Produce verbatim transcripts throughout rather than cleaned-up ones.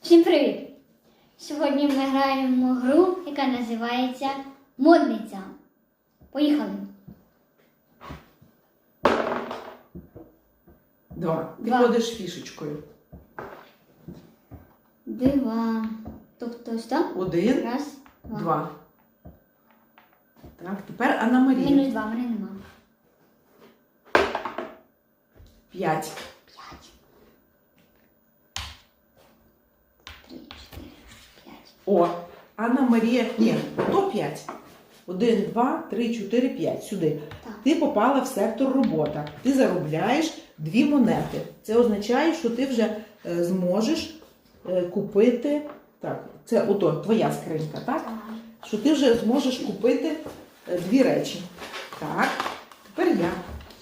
Всім привіт! Сьогодні ми граємо гру, яка називається Модниця. Поїхали! Два. Ти Два. ходиш фішечкою. Два. Тобто що? Один, Раз, два. два. Так, тепер Анна Марія. Мінус два, мене нема. П'ять. П'ять. Три, чотири, п'ять. О, Анна Марія. Ні, то п'ять. Один, два, три, чотири, п'ять. Сюди. Так. Ти попала в сектор робота. Ти заробляєш дві монети. Це означає, що ти вже е, зможеш е, купити. Так, це ото твоя скринька, так? Так. Що ти вже зможеш купити е, дві речі. Так, тепер я.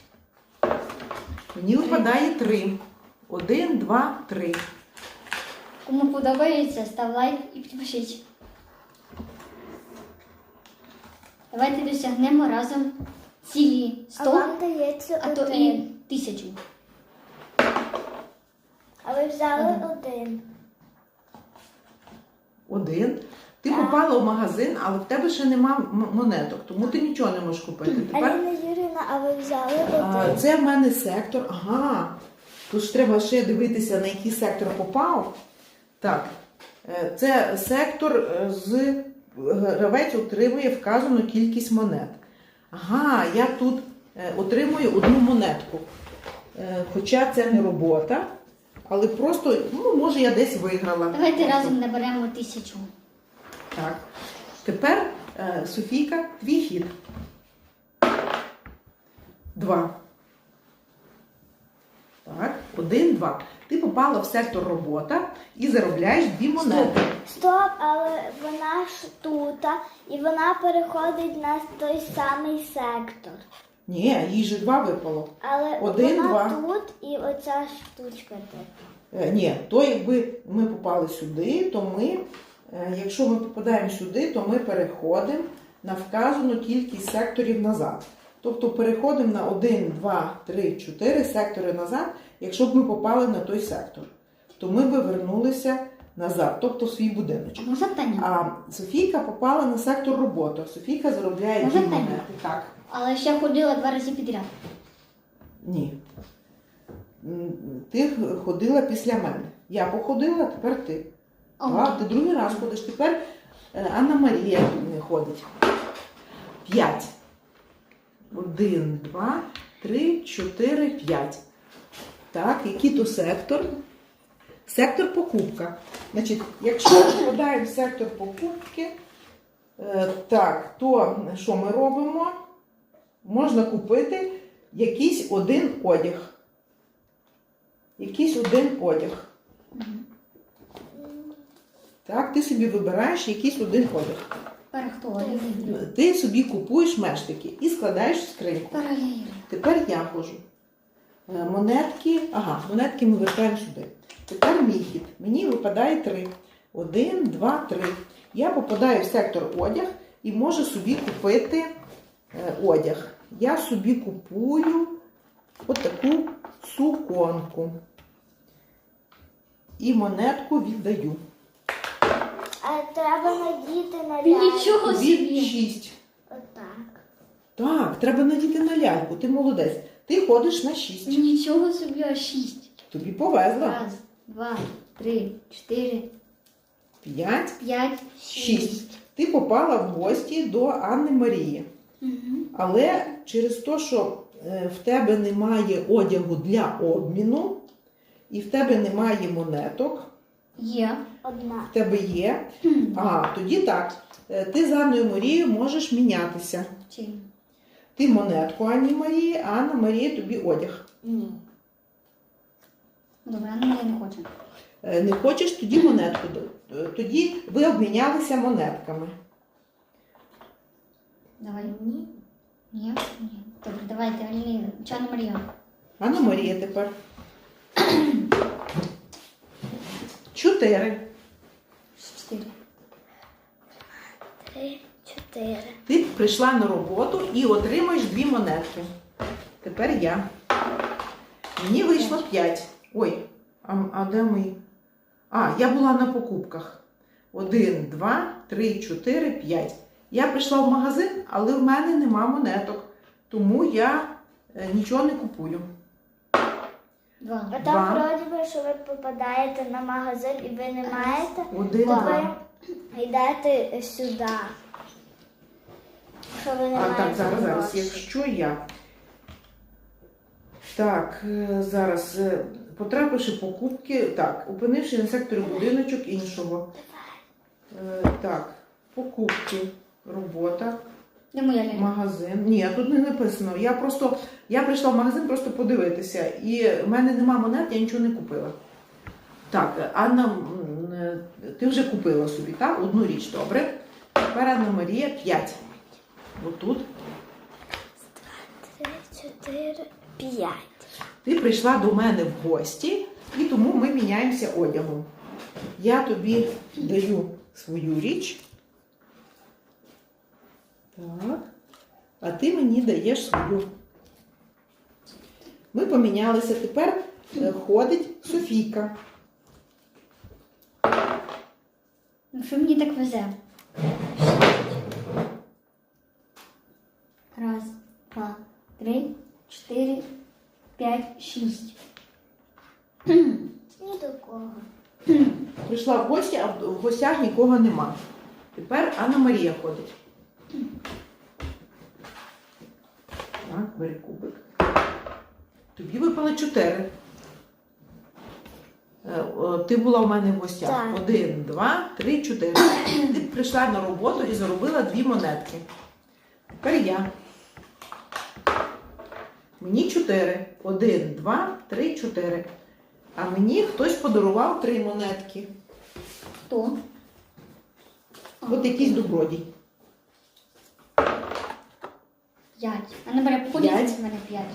Мені випадає три. Один, два, три. Кому подобається, став лайк і підпишіть. Давайте досягнемо разом цілі А сто, вам дається а то один. і тисячу. А ви взяли Один. один. Один. Ти Так. попала в магазин, але в тебе ще нема м- монеток, тому ти нічого не можеш купити. Тепер Аліна Юрівна, а ви взяли а, один. це в мене сектор. Ага. Тут ж треба ще дивитися, на який сектор попав. Так. Е, Це сектор е, з гравець отримує вказану кількість монет. Ага, я тут е, отримую одну монетку. Е, Хоча це не робота, але просто, ну, може, я десь виграла. Давайте Просто. разом наберемо тисячу. Так. Тепер, е, Софійка, твій хід. Два. Так, один, два. Ти попала в сектор робота і заробляєш дві монети. Стоп, але вона ж тут, і вона переходить на той самий сектор. Ні, їй же два випало. Але Один, вона два. тут і оця штучка тут. Е, ні, то якби ми попали сюди, то ми, е, якщо ми попадаємо сюди, то ми переходимо на вказану кількість секторів назад. Тобто переходимо на один, два, три, чотири сектори назад, якщо б ми попали на той сектор. То ми би вернулися назад, тобто в свій будиночок. Можна питання? А Софійка попала на сектор роботи. Софійка заробляє Можна дві питання? монети. Так. Але ще ходила два рази підряд. Ні. М, Ти ходила після мене. Я походила, тепер ти. О. Так, ти другий раз ходиш. Тепер е, Анна Марія не ходить. П'ять. Один, два, три, чотири, п'ять. Так, який то сектор? Сектор покупка. Значить, якщо ми попадаємо в сектор покупки, е, так, то що ми робимо? Можна купити якийсь один одяг. Якийсь один одяг. Так, ти собі вибираєш якийсь один одяг. Тепер хто? Ігор. Ти собі купуєш мештики і складаєш в скриньку. Тепер я Ігор. Тепер я ходжу. Е, Монетки, ага, монетки ми вертаємо сюди. Тепер мій хід. Мені випадає три. Один, два, три. Я попадаю в сектор одяг і можу собі купити е, одяг. Я собі купую отаку суконку. І монетку віддаю. А треба надіти на Ти ляльку. нічого Тобі собі. шість. Отак. Так, треба надіти на ляльку. Ти молодець. Ти ходиш на шість. Нічого собі, а шість. Тобі повезло. Раз, два, три, чотири, П'ять, п'ять, шість. Ти попала в гості до Анни Марії. Угу. Але через те, що е, в тебе немає одягу для обміну, і в тебе немає монеток, Є. Одна. в тебе є, а тоді так, е, ти з Анною Марією можеш мінятися. Чим? Ти монетку Анні Марії, а Анна Марія тобі одяг. Ні. Добре, ну я не хочу. Е, Не хочеш, тоді монетку. Е, Тоді ви обмінялися монетками. Давай. Ні. Ні? Ні. Добре, давайте, Аліна, Чана Марія. Анна Марія тепер. Чотири. Чотири. Три, чотири. Ти прийшла на роботу і отримаєш дві монетки. Тепер я. Мені вийшло п'ять. Ой, а, а де ми? А, я була на покупках. Один, два, три, чотири, п'ять. Я прийшла в магазин, але в мене нема монеток. Тому я е, нічого не купую. Два. А Два. там вроді би, що ви попадаєте на магазин і ви не маєте, Один, то два. ви йдете сюди. Що ви не А маєте так, зараз, зараз. грошей. Якщо я. Так, е, зараз. е, Потрапивши покупки. Так, опинивши на секторі будиночок іншого. Е, Так, покупки, робота, Де моя лялька? магазин. Ні, тут не написано. Я просто. Я прийшла в магазин просто подивитися. І в мене нема монет, я нічого не купила. Так, Анна, м, е, ти вже купила собі, так? Одну річ, добре. Тепер Анна Марія п'ять. Отут. Три, чотири, п'ять. Ти прийшла до мене в гості, і тому ми міняємося одягом. Я тобі даю свою річ. Так. А ти мені даєш свою. Ми помінялися. Тепер е, ходить Софійка. Ну що мені так везе? Раз, два, три, чотири, п'ять, шість. Ні до кого. Прийшла в гості, а в гостях нікого нема. Тепер Анна Марія ходить. Так, бери кубик. Тобі випало чотири. Е, о, Ти була в мене в гостях. Так. Один, два, три, чотири. Ти прийшла на роботу і заробила дві монетки. Тепер я. Мені чотири. Один, два, три, чотири. А мені хтось подарував три монетки. Хто? От якийсь добродій. П'ять. А набере походіть П'ять. з мене п'ять.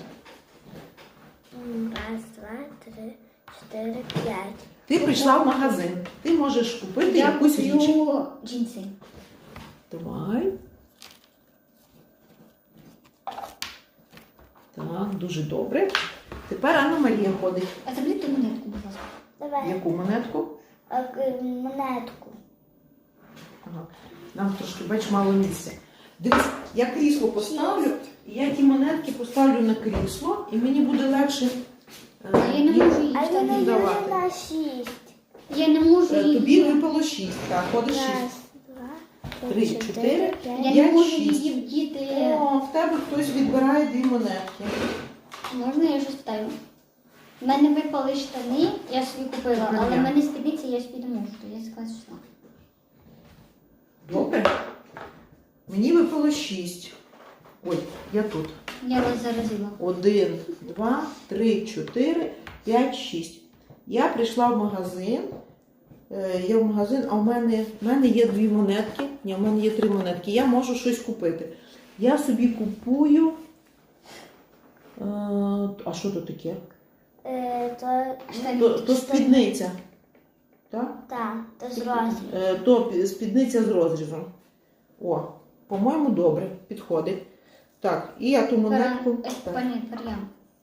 М, Раз, два, три, чотири, п'ять. Ти прийшла в магазин. Ти можеш купити Я якусь річ. куплю джинси. Давай. Так, дуже добре. Тепер Анна Марія ходить. А заберіть ту монетку, будь ласка. Давай. Яку монетку? А, к- монетку. Ага. Нам трошки, бач, мало місця. Дивись, я крісло поставлю, і я ті монетки поставлю на крісло, і мені буде легше. е, А я не їх- можу її А він не вставити. давати. на шість. Я не можу Е, її. Тобі випало шість. Так, ходиш Раз, шість. два, Три, три, чотири, чотири, Я п'ять. не п'ять, можу шість. її вдіти. О, в тебе хтось відбирає дві монетки. Можна я щось питаю? У мене випали штани, я собі купила, Ага. але в мене спідниці, я собі не можу, то я сказала, що. Добре. Мені випало шість. Ой, я тут. Я вас заразила. Один, два, три, чотири, п'ять, шість. Я прийшла в магазин. Е, Я в магазин, а в мене, в мене є дві монетки. Ні, в мене є три монетки. Я можу щось купити. Я собі купую. Е, а що то таке? Е, То, То, то спідниця. Так? так, то з розміром. Е, то пі- спідниця з розрізом. О, по-моєму, добре, підходить. Так, і я ту монетку. Пара- е, Так. Пані, пар'ям.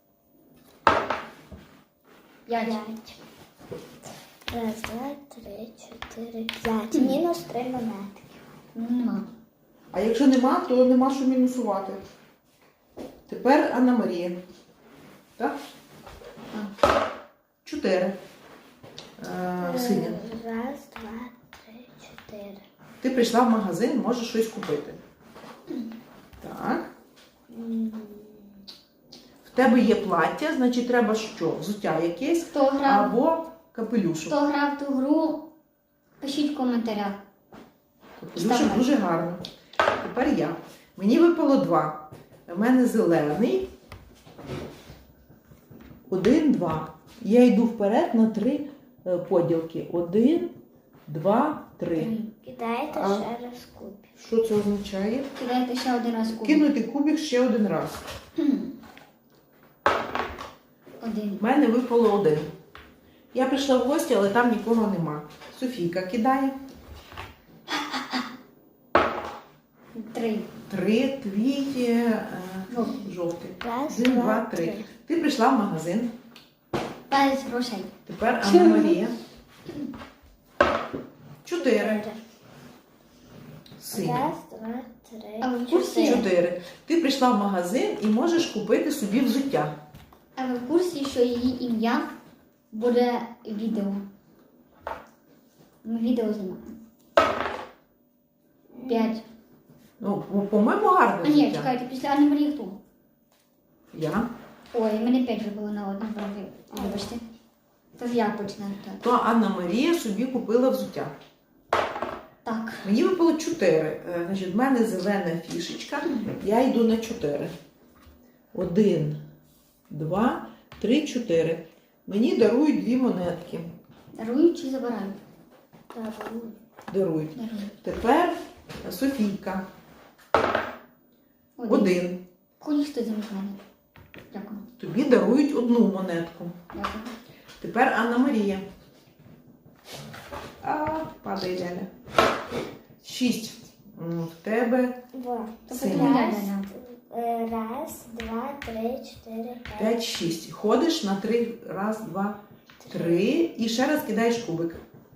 П'ять. П'ять. Раз, два, три, чотири, п'ять. Мінус три монетки. Ну, нема. А якщо нема, то нема що мінусувати. Тепер Анна Марія. Так? Чотири. Е, Синя. Раз, два, три, чотири. Ти прийшла в магазин, можеш щось купити. Так. М, В тебе є плаття, значить треба що? Взуття якесь Хто грав, або капелюшок. хто грав ту гру, пишіть в коментарях. Капелюшок Ставай. дуже гарно. Тепер я. Мені випало два. У мене зелений. Один, два. Я йду вперед на три е, поділки. Один, два, три. Кидаєте А. ще раз кубик. Що це означає? Кидайте ще один раз кубик. Кинути кубик ще один раз. Один. У мене випало один. Я прийшла в гості, але там нікого нема. Софійка кидає. Три. Три, твій е, Жовтий. жовтий. Раз, Один, два, два, три. три. Ти прийшла в магазин. Без грошей. Тепер Анна Марія. Чотири. Синій. Раз, два, три, А ви в курсі? чотири. Чотири. Ти прийшла в магазин і можеш купити собі взуття. А ви в курсі, що її ім'я буде відео? Ми відео знімаємо. П'ять. Ну, по- по-моєму, гарне А ні, взуття. чекайте, після Анни Марії хто? Я. Ой, в мене п'ять вже було на одному праві. Вибачте. Тож я починаю так. То Анна Марія собі купила взуття. Так. Мені випало чотири. Е, Значить, в мене зелена фішечка. Я йду на чотири. Один, два, три, чотири. Мені дарують дві монетки. Дарують чи забирають? Дарую. Дарують. Дарують. Тепер Софійка. Один. Один. Ході хто замість мене. Дякую. Тобі дарують одну монетку. Дякую. Тепер Анна Марія. А, падає Ляля. Шість. М, В тебе Два. Тобто Синій. ти мене Раз, Ляля. е, раз, два, три, чотири, п'ять. п'ять, шість. Ходиш на три. Раз, два, три. І ще раз кидаєш кубик.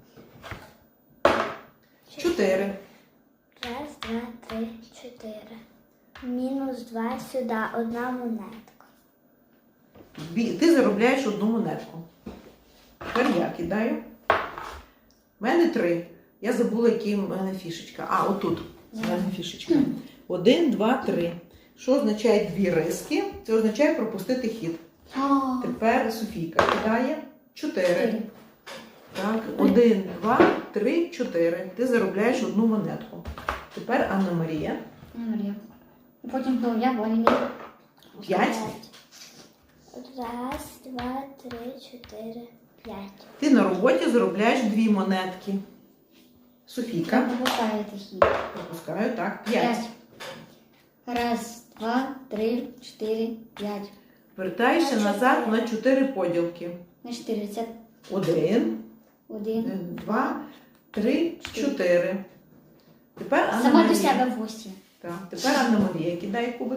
Чотири. Раз, два, три, чотири. Мінус два сюди, одна монетка. Бі- Ти заробляєш одну монетку. Тепер я кидаю. У мене три. Я забула, які в мене фішечка. А, отут. У мене фішечка. Один, два, три. Що означає дві риски? Це означає пропустити хід. А, Тепер Софійка кидає чотири. чотири. Так, один, два, три, чотири. Ти заробляєш одну монетку. Тепер Анна Марія. Анна Марія. І потім знову я, бо він П'ять. Раз, два, три, чотири, п'ять. Ти на роботі заробляєш дві монетки. Софійка. пропускаєте хід. Пропускаю, так. П'ять. Раз, два, три, чотири, п'ять. Вертаєшся На назад чотири. на чотири поділки. На чотири. Це Один, один. два, три, чотири. Тепер Анна Сама до Марія. себе в гості. Так, тепер Анна Марія кидає кубик.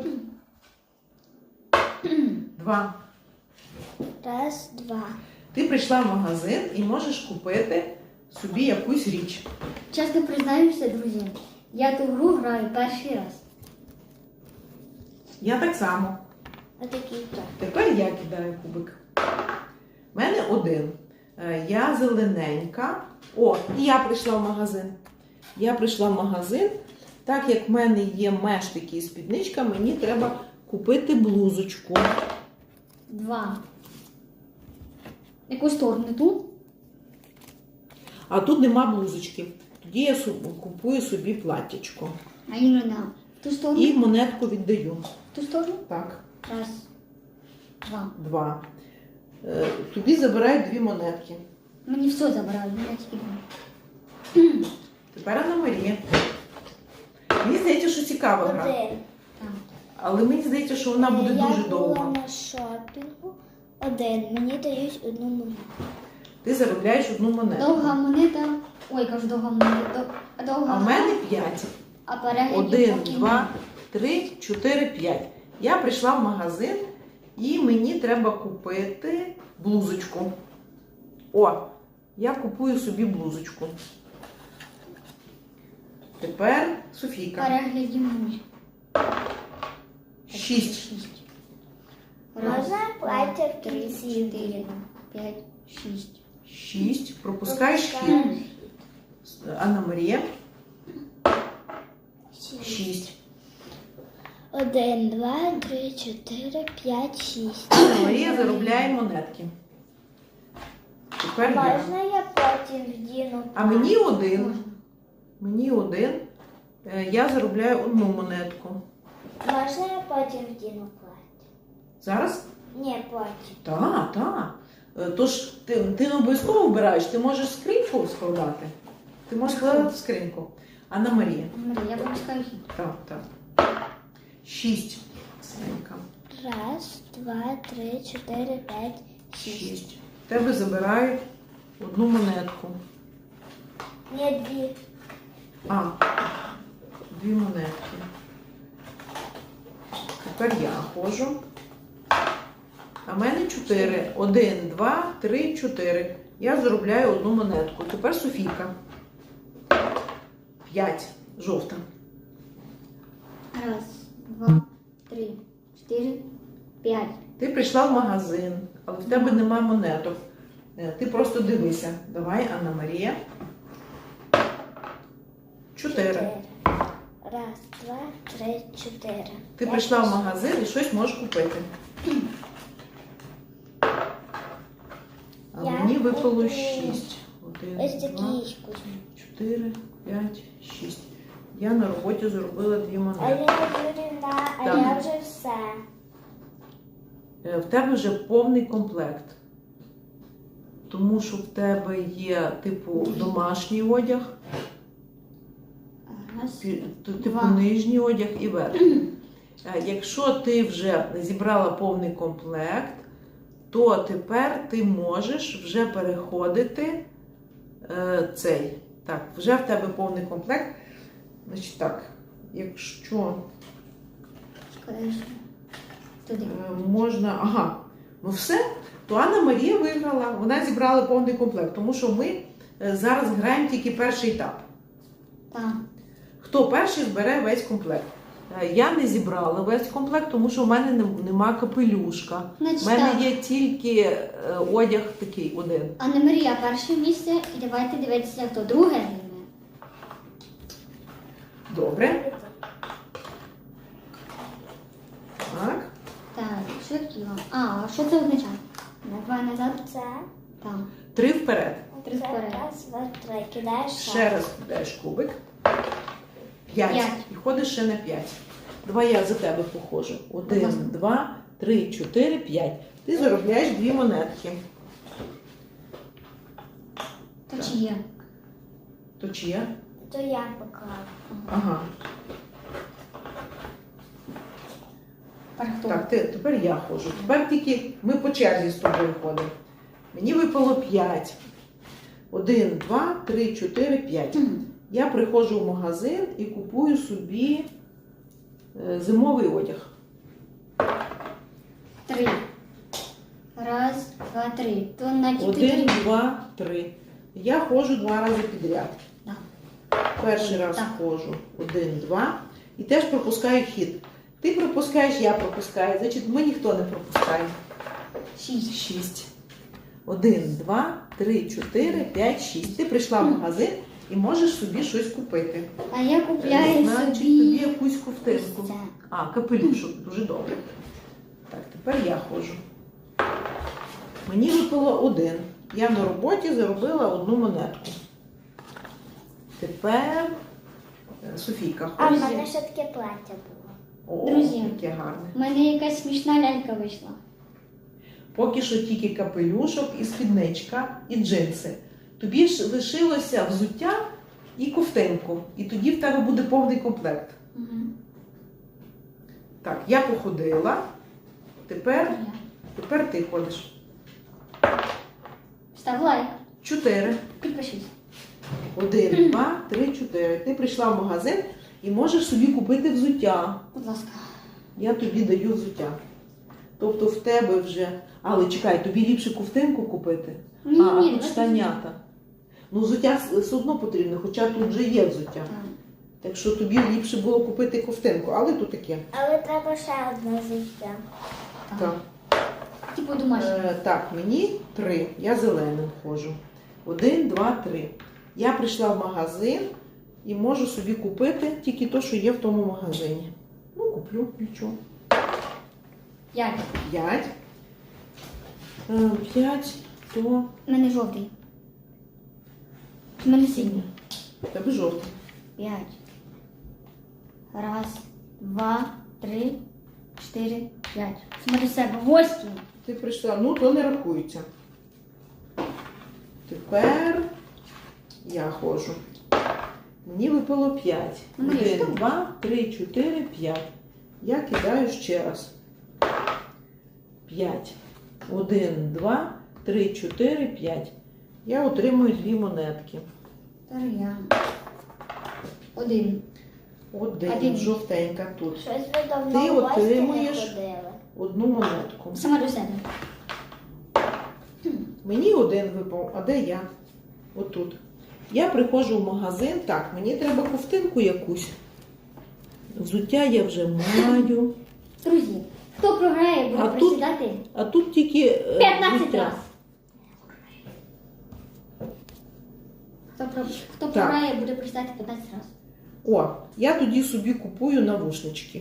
Два. Раз, два. Ти прийшла в магазин і можеш купити собі якусь річ. Чесно признаюся, друзі, я ту гру граю перший раз. Я так само. Отакий то. Тепер я кидаю кубик. У мене один. Е, Я зелененька. О, і я прийшла в магазин. Я прийшла в магазин. Так як в мене є мештики і спідничка, мені треба купити блузочку. Два. Яку сторону тут? А тут нема блузочки. Тоді я су- купую собі платтячко. А Інна на ту сторону? І монетку віддаю. Ту сторону? Так, Раз. Два. два. Е, Тобі забирають дві монетки. Мені все забирають, я тільки два. Тепер Анна Марія. Мені здається, що цікава гра. Один. Так. Але мені здається, що вона буде Я дуже була довга. на шопінгу. Один. Мені дають одну монету. Ти заробляєш одну монету. Довга монета. Ой, кажу, довга монета. Дов- Довга. А в мене п'ять. А переглядів Один, поки два, три, чотири, п'ять. Я прийшла в магазин і мені треба купити блузочку. О, я купую собі блузочку. Тепер Софійка. Переглядів нуль. Шість. Шість. Можна плаття в три, кінці чотири, буде? п'ять, шість. Шість. Пропускаєш хід. Пропускаю. Анна Марія. Шість. Шість. Один, два, три, чотири, п'ять, шість. Анна Марія заробляє монетки. Тепер я. Можна я потім вдіну? А мені один. Можна. Мені один. Е, Я заробляю одну монетку. Можна я потім вдіну плаття? Зараз? Ні, потім. Так, так. Е, Тож ти, ти не обов'язково вбираєш, ти можеш скриньку складати. Ти можеш складати в скриньку. Анна Марія. Марія, я пропускаю хід. Так, так. Шість. Синенька. Раз, два, три, чотири, п'ять, шість. Шість. В тебе забирають одну монетку. Ні, дві. А, дві монетки. Тепер я ходжу. А в мене чотири. Один, два, три, чотири. Я заробляю одну монетку. Тепер Софійка. П'ять. Жовта. Раз, два, три, чотири, п'ять. Ти прийшла в магазин, але в тебе нема монеток. Е, Ти просто дивися. Давай, Анна Марія. Чотири. Раз, два, три, чотири. Ти Я прийшла в пішла. магазин і щось можеш купити. А Я мені випало куплю шість. Один, Ось два, такі кузні. чотири, п'ять, шість. Я на роботі заробила дві монети. Аліна Юрівна, а Так. я вже все. Е, В тебе вже повний комплект. Тому що в тебе є, типу, домашній одяг, Раз. пі- т- типу Два. нижній одяг і верхній. Е, Якщо ти вже зібрала повний комплект, то тепер ти можеш вже переходити е, цей. Так, вже в тебе повний комплект. Значить так, якщо Скажеш. Туди. Е, можна. Ага, ну все, то Анна Марія виграла. Вона зібрала повний комплект, тому що ми е, зараз граємо тільки перший етап. Так. Хто перший збере весь комплект? Е, Я не зібрала весь комплект, тому що в мене нем- нема капелюшка. У Значить мене так. є тільки е, одяг такий один. Анна Марія перше місце, і давайте дивитися, хто друге займе. Добре. Так. Так, що хотіла? А, а що це означає? Давай назад. Це. Так. Три вперед. Три Це вперед. раз, два, три. Кидаєш Ще раз кидаєш кубик. П'ять. П'ять. І ходиш ще на п'ять. Давай я за тебе походжу. Будь ласка. Один, два, три, чотири, п'ять. Ти заробляєш дві монетки. То чи є? То чия? То я поклав. Ага. Тепер хто? Так, ти, тепер я ходжу. Тепер тільки ми по черзі з тобою ходимо. Мені випало п'ять. Один, два, три, чотири, п'ять. Мгм. Я приходжу в магазин і купую собі е, зимовий одяг. Три. Раз, два, три. То на Один, чотири. два, три. Я ходжу два рази підряд. Так. Перший раз Так. ходжу. Один, два. І теж пропускаю хід. Ти пропускаєш, я пропускаю. Значить, ми ніхто не пропускає. Шість. Шість. Один, два, три, чотири, п'ять, шість. Ти прийшла в магазин і можеш собі щось купити. А я купляю Значить, собі. тобі якусь ковтинку. ось це. А, капелюшок. Дуже добре. Так, тепер я ходжу. Мені випало один. Я на роботі заробила одну монетку. Тепер е, Софійка А в ходить. мене ще таке плаття було. О, Друзі. яке гарне. У мене якась смішна лялька вийшла. Поки що тільки капелюшок, і спідничка, і джинси. Тобі ж лишилося взуття і ковтинку. І тоді в тебе буде повний комплект. Угу. Так, я походила. Тепер, тепер ти ходиш. Став лайк. Чотири. Підпишись. Один, два, три, чотири. Ти прийшла в магазин і можеш собі купити взуття. Будь ласка. Я тобі даю взуття. Тобто в тебе вже. Але чекай, тобі ліпше ковтинку купити. Ні, а, ні, а тут давайте штанята. Ну, взуття все одно потрібно, хоча тут вже є взуття. Так. Так що тобі ліпше було купити ковтинку, але тут таке. Але треба ще одне життя. Так. Типу домашній. Е, так, мені три. Я зеленим ходжу. Один, два, три. Я прийшла в магазин і можу собі купити тільки те, що є в тому магазині. Ну, куплю, нічого. П'ять. П'ять. Е, П'ять, то У мене жовтий. У мене синій. в тебе жовтий. П'ять. Раз, два, три, чотири, п'ять. Смотри себе. Восьмий. Ти прийшла, ну то не рахується. Тепер я ходжу. Мені випало п'ять. Ну, Марія, Один, що? два, три, чотири, п'ять. Я кидаю ще раз. П'ять. Один, два, три, чотири, п'ять. Я отримую дві монетки. Тепер я. Один. Один, Один. жовтенька тут. Щось ви давно Ти в гості не отримуєш- ходили. Одну монетку. Сама до себе. Мені один випав, а де я? Отут. Я приходжу в магазин, так, мені треба ковтинку якусь. Взуття я вже маю. Друзі, хто програє, буде А тут- присідати А тут тільки е, п'ятнадцять взуття. разів. Хто, про- хто Так. програє, буде присідати п'ятнадцять разів. О, я тоді собі купую навушнички.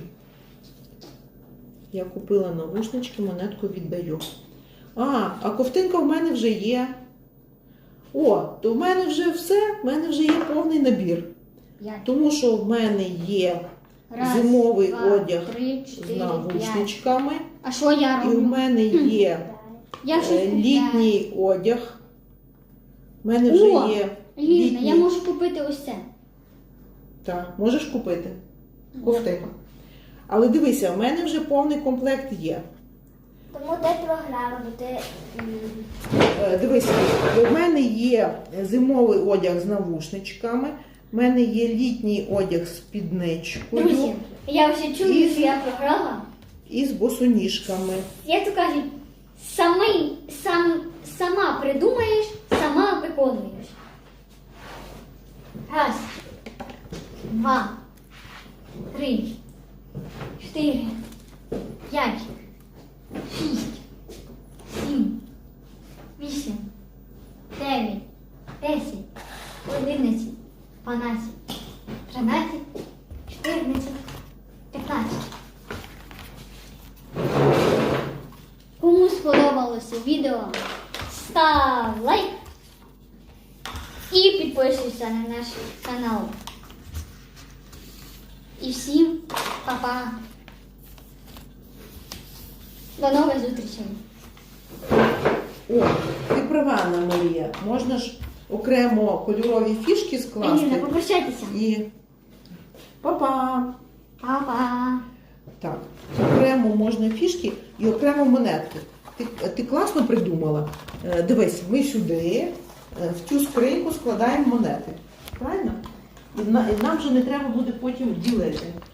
Я купила навушнички, монетку віддаю. А, а ковтинка в мене вже є. О, то в мене вже все, в мене вже є повний набір. П'ять. Тому що в мене є Раз, зимовий два, одяг три, з чотири, п'ять. навушничками. А що я І в роблю? мене є Я щось е, купляю. літній одяг. У мене вже О, є Лізна, літній. я можу купити ось це. Так, можеш купити ковтину. Але дивися, в мене вже повний комплект є. Тому ти програла, бо ти м, Е, Дивися, в мене є зимовий одяг з навушничками, в мене є літній одяг з спідничкою Друзі, я вже чую, І- що я програла. і з босоніжками. Як то кажуть, самий, сам, сама придумаєш, сама виконуєш. Раз, два, три, чотири, п'ять, шість, сім, вісім, дев'ять, десять, одинадцять, дванадцять, тринадцять, чотирнадцять, п'ятнадцять. Кому сподобалося відео, став лайк і підписуйся на наш канал. І всім па-па. До нових зустрічей. О, ти права, Анна Марія, можна ж окремо кольорові фішки Еліна, скласти попрощайтеся. і па-па! Па-па. Так, окремо можна фішки і окремо монетки. Ти, ти класно придумала. Е, Дивись, ми сюди, е, в цю скриньку складаємо монети. Правильно? І, на- і нам вже не треба буде потім ділити.